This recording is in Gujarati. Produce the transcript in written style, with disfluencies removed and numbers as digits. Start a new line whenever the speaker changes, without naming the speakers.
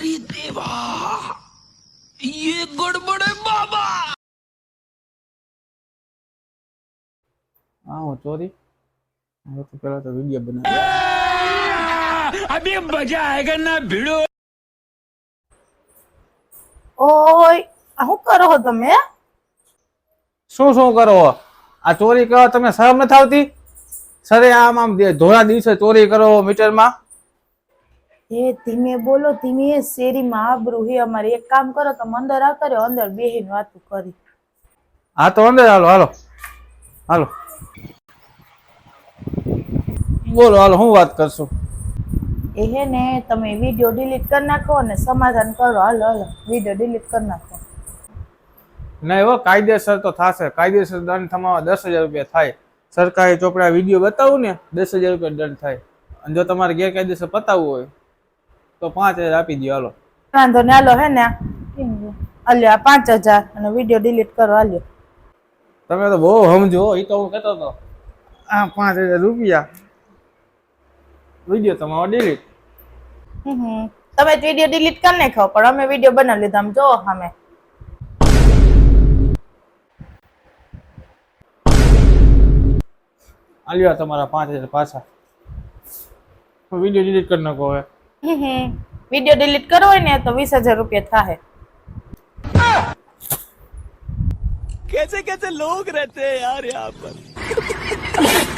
अरे देवा, ये गड़बड़ है बाबा।
हाँ ચોરી હવે તો પેલા તો વિડિયો બનાવ
अभी मजा आएगा ना भिड़ो।
ઓય આ શું કરો છો તમે?
શું કરો આ ચોરી કરો તમે શરમ નથી આવતી સરે આમ ધોળા દિવસે ચોરી કરો મીટરમાં
એ ધીમે બોલો, ધીમે. શેરીમાં આબરૂ હે અમારે. એક કામ કરો, તમે અંદર આવતા રહ્યો, અંદર બેહીને વાતું કરી.
હા તો અંદર હાલો હાલો હાલો બોલો હાલો હું વાત કરશું
એ હે ને તમે વિડિયો ડિલીટ કરી નાખો અને સમાધાન કરો. હાલો હાલો વિડિયો ડિલીટ કરી નાખો.
ના એવો કાયદેસર તો થશે. કાયદેસર દંડ થવામાં 10,000 રૂપિયા થાય. સરકારી ચોપડા વિડીયો બતાવું ને 10,000 રૂપિયા દંડ થાય. અને જો તમારે ગેરકાયદેસર પતાવવું હોય તો 5,000 આપી દો. હાલો
વાંધો ને. હાલો હે ને હાલ્યો આ 5,000 અને વિડિયો ડિલીટ કરો. હાલ્યો
તમે તો બહુ સમજો. એ તો હું કહેતો હતો આ 5,000 રૂપિયા વિડીયો તમારો ડિલીટ.
તમે વિડિયો ડિલીટ કરી નાખો પણ અમે વિડિયો બનાવી લીધા. આમ જો અમે
આલ્યો તમારા 5,000 પાછા. વિડીયો ડિલીટ કરી નાખો હવે.
વિડિયો ડિલીટ કરવો હોય ને તો 20,000 રૂપિયા થાય.
कैसे कैसे लोग रहते हैं यार यहाँ पर।